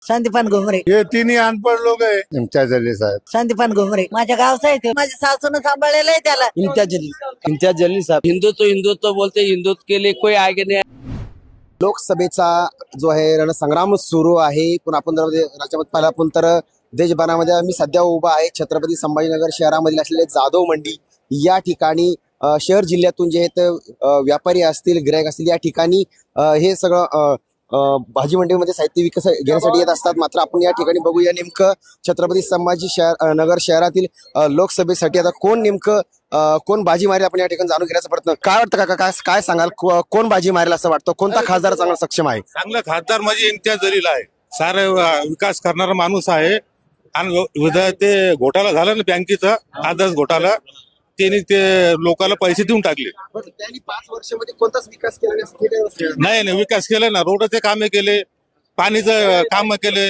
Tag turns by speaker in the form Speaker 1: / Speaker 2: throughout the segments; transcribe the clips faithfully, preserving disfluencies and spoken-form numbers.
Speaker 1: संदीपान घुमरे.
Speaker 2: ये तिन्ही अनपढ़ लोग है इम्तियाज जलील साहब.
Speaker 1: संदीपान घुमरे माझ्या गावचा आहे ते. माझ्या सासून सांभाळलेलं आहे त्याला.
Speaker 3: इम्तियाज जलील इम्तियाज जलील साहब.
Speaker 4: हिंदुत्व हिंदुत्व बोलते, हिंदुत्व के लिए कोई आगे नहीं.
Speaker 3: लोकसभेचा जो आहे रणसंग्राम सुरू आहे. पण आपण जर राज्यामध्ये पाहिलं आपण तर देशभरामध्ये मी सध्या उभा आहे छत्रपती संभाजीनगर शहरामधील असलेले जाधव मंडी या ठिकाणी अ, शहर जिल्ह्यातून जे आहेत अ, व्यापारी असतील, गिरायक असतील, या ठिकाणी अ, हे सगळं अ, अ, भाजी मंडईमध्ये साहित्य विकत घेण्यासाठी येत असतात. मात्र आपण या ठिकाणी बघूया नेमकं छत्रपती संभाजी शहर अ, नगर शहरातील अ, लोकसभेसाठी आता कोण नेमकं अ, कोण बाजी मारेल आपण या ठिकाणी जाणून घेण्याचा प्रयत्न. काय वाटतं काका, काय काय सांगाल, को- कोण बाजी मारेल असं वाटतं? कोणता खासदार चांगला सक्षम आहे?
Speaker 2: चांगला खासदार म्हणजे इम्तियाज जलील आहे. सारे विकास करणारा माणूस आहे. आणि विधा ते घोटाळा झाला ना बँकेचा, आदर्श घोटाळा, त्यांनी ते लोकांना पैसे देऊन टाकले.
Speaker 3: त्यांनी पाच वर्षामध्ये कोणताच विकास केला नाही.
Speaker 2: नाही नाही विकास केला ना, रोडचे कामे केले, पाणीचं काम केले,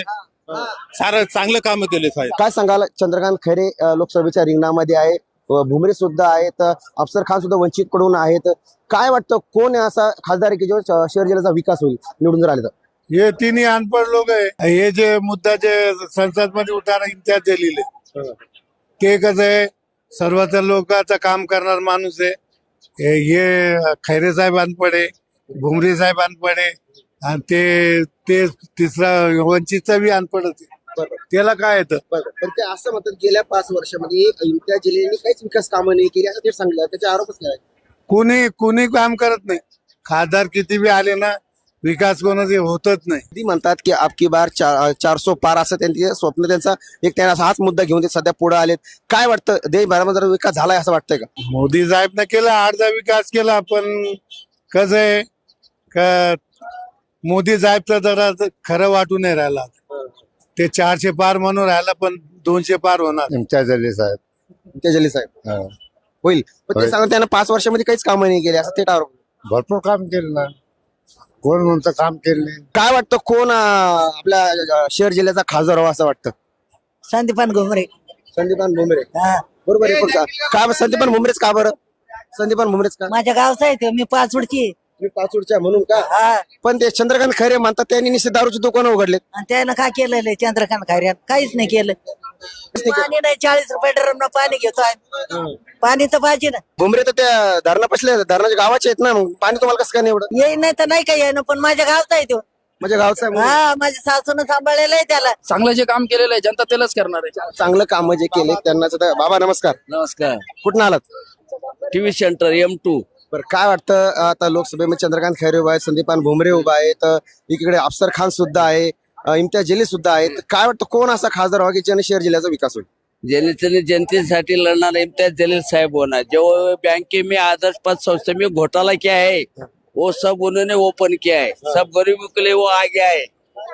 Speaker 2: सारं चांगलं काम केले साहेब.
Speaker 3: काय सांगाल? चंद्रकांत खैरे अ, लोकसभेच्या रिंगणामध्ये आहे, अ, भुमरे सुद्धा आहेत, अफसर खान सुद्धा वंचित कडून आहेत. काय वाटतं कोण असा खासदार आहे की जो श- शहर जिल्ह्याचा विकास होईल निवडून जर आले तर?
Speaker 2: ये तिन्ही अनपढ़ लोग है. हे जे मुद्दा जे संसद मध्ये उठाना इम्तियाज जलील आहे, ते कसं आहे सर्वच लोकांचं काम करणार माणूस आहे. हे हे खैरे साहेब अनपढ़ आहे, भुमरे साहेब अनपढ़ आहे, आणि ते ते तिसरा वंचितचा बी अनपढ़ आहे. त्याला काय येतं?
Speaker 3: बरं, पण ते असं म्हणतात गेल्या पाच वर्षामध्ये इम्तियाज जलील यांनी काहीच विकास कामं नाही केली असं ते सांगितलं. त्याचे आरोपच केला.
Speaker 2: कुणी कुणी काम करत नाही. खासदार किती बी आले ना, विकास कोणाचे होतच नाही.
Speaker 3: ती म्हणतात की आपकी बार चार चारसो पार असं त्यांचे स्वप्न, त्यांचा एक त्यांना हाच मुद्दा घेऊन ते सध्या पुढे आलेत. काय वाटतं देशभरामध्ये जर विकास झालाय असं वाटतंय का?
Speaker 2: मोदी साहेबनं केला, अर्धा विकास केला, पण कसं आहे का मोदी साहेबचं जरा खरं वाटून नाही राहिला. ते चारशे पार म्हणून राहिला, पण दोनशे पार होणार. इम्तियाज जलील साहेब.
Speaker 3: इम्तियाज जलील साहेब होईल, पण ते सांगतात त्यांना पाच वर्षामध्ये काहीच कामं नाही केली असं ते आरोप.
Speaker 2: भरपूर काम केलं ना. कोण म्हणतं काम केलं नाही?
Speaker 3: काय वाटतं कोण अं, आपल्या अं, शहर जिल्ह्याचा खासदार व्हावा असं वाटतं?
Speaker 1: संदीपान घुमरे.
Speaker 3: संदीपान भुमरे.
Speaker 1: हा.
Speaker 3: बरोबर आहे. पण का- का बरं संदीपान भुमरेच का बरं? संदीपान भुमरेच का?
Speaker 1: माझ्या गावचा आहे ते. मी पाचवडची आहे.
Speaker 3: मी पाचूडच्या म्हणून का?
Speaker 1: हा.
Speaker 3: पण ते चंद्रकांत खैरे म्हणतात त्यांनी निश्चित दारूची दुकानं उघडलेत.
Speaker 1: आणि त्यानं काय केलेलं आहे चंद्रकांत खैऱ्यान? काहीच नाही केलं. पाणी नाही, चाळीस रुपये ड्रम पाणी घेतो आहे. पाणी तर पाहिजे ना.
Speaker 3: भुमरे तर त्या धरणा पसले धरणाच्या गावाचे आहेत ना, मग पाणी तुम्हाला कसं काय नाही एवढं?
Speaker 1: येई नाही तर नाही काही आहे ना, पण माझ्या गावचा आहे तो.
Speaker 3: म्हणजे गावचं आहे म्हणून.
Speaker 1: हा, माझ्या सासून सांभाळलेलं आहे त्याला.
Speaker 4: चांगलं जे काम केलेलं आहे जनता त्यालाच करणार आहे.
Speaker 3: चांगलं काम जे केले त्यांना सुद्धा- बाबा नमस्कार.
Speaker 4: नमस्कार.
Speaker 3: कुठून आलात?
Speaker 4: TV centre M two.
Speaker 3: बरं, काय वाटतं आता लोकसभेमध्ये चंद्रकांत खैरे उभा आहेत, संदीपान भुमरे उभा आहेत, एकीकडे अफसर खान सुद्धा आहे, अं, इम्तियाज जलील सुद्धा आहेत. काय वाटतं कोण असा खासदार व्हावा की ज्याने शहर जिल्ह्याचा विकास होईल?
Speaker 4: जनतेने जनतेसाठी लड़ना इम्तियाज जलील साहब होना. जो बैंके में आदर्श पद संस्था में घोटाला किया है वो सब उन्होंने ओपन किया है. सब गरीबों के लिए वो आ गया है.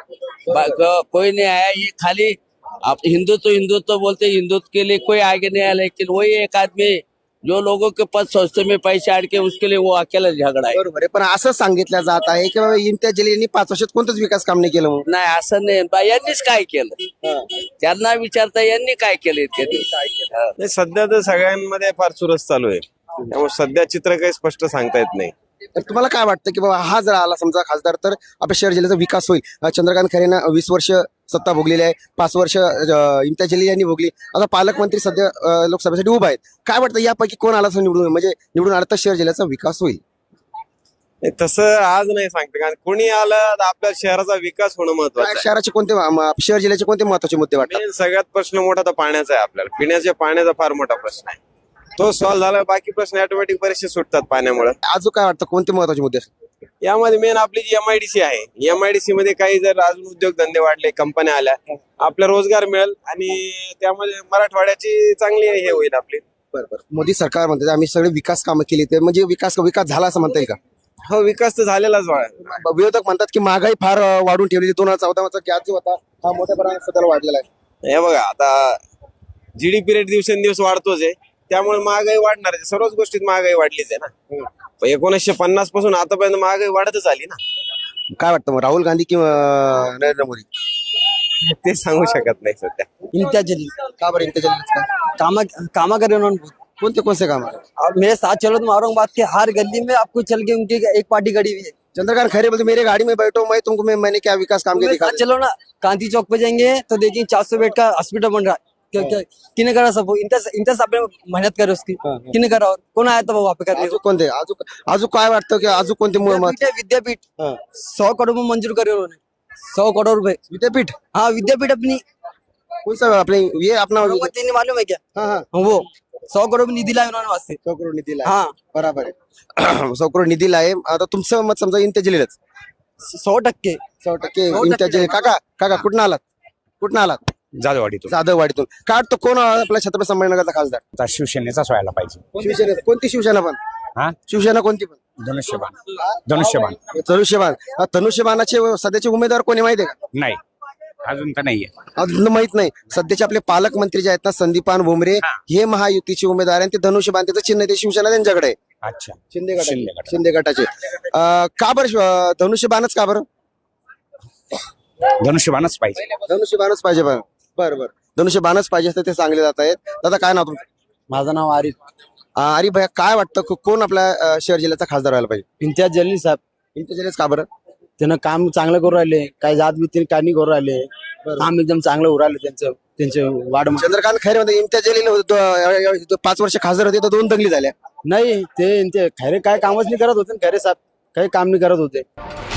Speaker 4: बा- क- कोई नहीं आया. ये खाली आप हिंदुत्व हिंदुत्व बोलते, हिंदुत्व के लिए कोई आगे नहीं आया. लेकिन वही एक आदमी जो लोगों के पद संस्था में पैसे अड़के उसके लिए वो अकेला झगड़ा है.
Speaker 3: बरोबर आहे, पण असं सांगितलं जात आहे की बाबा इम्तियाज जलील यांनी पाच वर्षात कोणतंच विकास काम नाही केलं म्हणून.
Speaker 4: नाही असं नाही. बा, यांनीच काय केलं त्यांना विचारता, यांनी काय केलं इतके दिवस? हा.
Speaker 5: नाही, सध्या तर सगळ्यांमध्ये फार चुरस चालू आहे. त्यामुळे सध्या चित्र काही स्पष्ट सांगता येत नाही.
Speaker 3: तर तुम्हाला काय वाटतं की बाबा हा जर आला समजा खासदार तर आपल्या शहर जिल्ह्याचा विकास होईल? अं, चंद्रकांत खैरेंना वीस वर्ष सत्ता भोगलेली आहे, पाच वर्ष अं, इम्तियाज जलील यांनी भोगली. आता पालकमंत्री सध्या अं, लोकसभेसाठी उभा आहेत. काय वाटतं यापैकी कोण आला असं निवडून, म्हणजे निवडून आला तर शहर जिल्ह्याचा विकास होईल?
Speaker 5: नाही, तसं आज नाही सांगते, कारण कोणी आलं तर आपल्या शहराचा विकास होणं
Speaker 3: काय
Speaker 5: महत्वाचं आहे.
Speaker 3: शहराचे कोणते म- शहर जिल्ह्याचे कोणते महत्वाचे मुद्दे वाटतात?
Speaker 5: मेन सगळ्यात प्रश्न मोठा तर पाण्याचा आहे. आपल्याला पिण्याच्या पाण्याचा फार मोठा प्रश्न आहे. तो सॉल्व्ह झाला, बाकी प्रश्न ऑटोमॅटिक बरेचसे सुटतात पाण्यामुळे.
Speaker 3: अजून काय वाटतं कोणते महत्वाचे मुद्दे असतात?
Speaker 5: यामध्ये मेन आपली जी एमआयडीसी आहे, एमआयडीसी मध्ये काही जर अजून उद्योगधंदे वाढले, कंपन्या आल्या, आपला रोजगार मिळेल आणि त्यामध्ये मराठवाड्याची चांगली हे होईल आपली.
Speaker 3: बरोबर. मोदी सरकार म्हणतात आम्ही सगळे विकास कामं केली, ते म्हणजे विकास विकास झाला असं म्हणता येईल का?
Speaker 5: हो, विकास तर झालेलाच वाढ.
Speaker 3: विरोधक म्हणतात की महागाई फार अं, वाढून ठेवली. दोन हजार चौदा चा गॅस जो होता हा मोठ्या प्रमाणात सध्या वाढलेला आहे.
Speaker 5: हे बघा, आता जीडीपी रेट दिवसेंदिवस वाढतोच आहे, त्यामुळे महागाई वाढणार आहे. सर्वच गोष्टीत महागाई वाढलीच आहे ना. पण एकोणीसशे पन्नास पासून आतापर्यंत महागाई वाढतच आली ना.
Speaker 3: काय वाटतं मग राहुल गांधी किंवा अं, नरेंद्र मोदी?
Speaker 5: ते सांगू शकत नाही सध्या.
Speaker 3: इम्तियाज जलील का बरं? इम्तियाज जलील का?
Speaker 6: कामा कामा करे उन्होंने।
Speaker 3: कोणते कोणते काम आहे?
Speaker 6: और मेरे साथ चलो तुम औरंगाबाद के हर गली में आपको चल के उनकी एक पार्टी खड़ी हुई है
Speaker 3: चंद्रकांत खैरे बोलते मेरे गाड़ी में बैठो मैं तुमको मैं मैंने क्या विकास काम किया दिखा
Speaker 6: चलो ना गांधी चौक पे जाएंगे तो देखिए चार सौ बेड का हॉस्पिटल बन रहा है क्या क्या किने करा सब इंटर इंटर साहब ने मेहनत करे उसकी किने करा और कोण आया था वहाँ पे करने
Speaker 3: अजून कोणते अजून अजून काय वाटतं की अजून कोणते मु- मत-
Speaker 6: विद्यापीठ है, विद्यापीठ
Speaker 3: हाँ।
Speaker 6: सौ करोड़ में मंजूर करे उन्होंने सौ करोड़ रुपए
Speaker 3: विद्यापीठ
Speaker 6: हाँ विद्यापीठ अपनी
Speaker 3: कौन सा अपने ये अपना
Speaker 6: भगवती ने मालूम है क्या
Speaker 3: हाँ हाँ
Speaker 6: वो सौ करोड़ निधी लाए उन्होंने वास्ते
Speaker 3: सौ करोड निधी लाय
Speaker 6: हाँ
Speaker 3: बराबर आहे सौ करोड निधी लाय आता तुमचं मत समजा इम्तियाज जलीलच
Speaker 6: सौ टक्के
Speaker 3: सौ टक्के
Speaker 6: सौ
Speaker 3: इम्तियाज
Speaker 6: टक्के.
Speaker 3: जलील काका काका कुठून आलात कुठून आलात
Speaker 7: जाधववाडीतून
Speaker 3: जाधववाडीतून काय तो कोण आपला छत्रपती संभाजीनगरचा खासदार
Speaker 7: आता शिवसेनेचाच व्हायला पाहिजे
Speaker 3: शिवसेना कोणती शिवसेना पण
Speaker 7: हा
Speaker 3: शिवसेना कोणती पण
Speaker 7: धनुष्यबाण धनुष्यबाण
Speaker 3: धनुष्यबाण हा, धनुष्यबाणाचे सध्याचे उमेदवार कोणी माहिती आहे का
Speaker 7: नाही अजून तर नाहीये
Speaker 3: अजून माहित नाही सध्याचे आपले पालकमंत्री जे आहेत ना संदीपान भुमरे
Speaker 7: हा.
Speaker 3: हे महायुतीचे उमेदवार आणि ते धनुष्यबाण त्याचं चिन्ह आहे, ते शिवसेना त्यांच्याकडे आहे
Speaker 7: अच्छा
Speaker 3: शिंदे गटाचे
Speaker 7: शिंदे गटाचे.
Speaker 3: शिंदे गटाचे अं, का बरं शिव- धनुष्यबाणच का बरं
Speaker 7: धनुष्यबाणच पाहिजे
Speaker 3: धनुष्यबाणच पाहिजे बरं बरं बरं धनुष्यबाणच पाहिजे असं ते सांगले जात आहेत दादा काय नाव तुमचं
Speaker 6: माझं नाव आरिफ
Speaker 3: अं, अरे भैया काय वाटतं को- कोण आपल्या अं, शहर जिल्ह्याचा खासदार व्हायला पाहिजे
Speaker 6: इम्तियाज जलील साहेब
Speaker 3: इम्तियाज का बरं
Speaker 6: त्यानं काम चांगलं करू राहिले काही जात भीती काही नाही करू राहिले काम एकदम चांगलं होऊ राहिलं त्यांचं त्यांचे वाढ
Speaker 3: चंद्रकांत खैरे मध्ये इम्तियाज जलील होते, तो- तो पाच वर्ष खासदार होते तर दोन दंगली झाल्या
Speaker 6: नाही ते ते खैरे काय कामच नाही करत होते ना खैरे साहेब काही काम नाही करत होते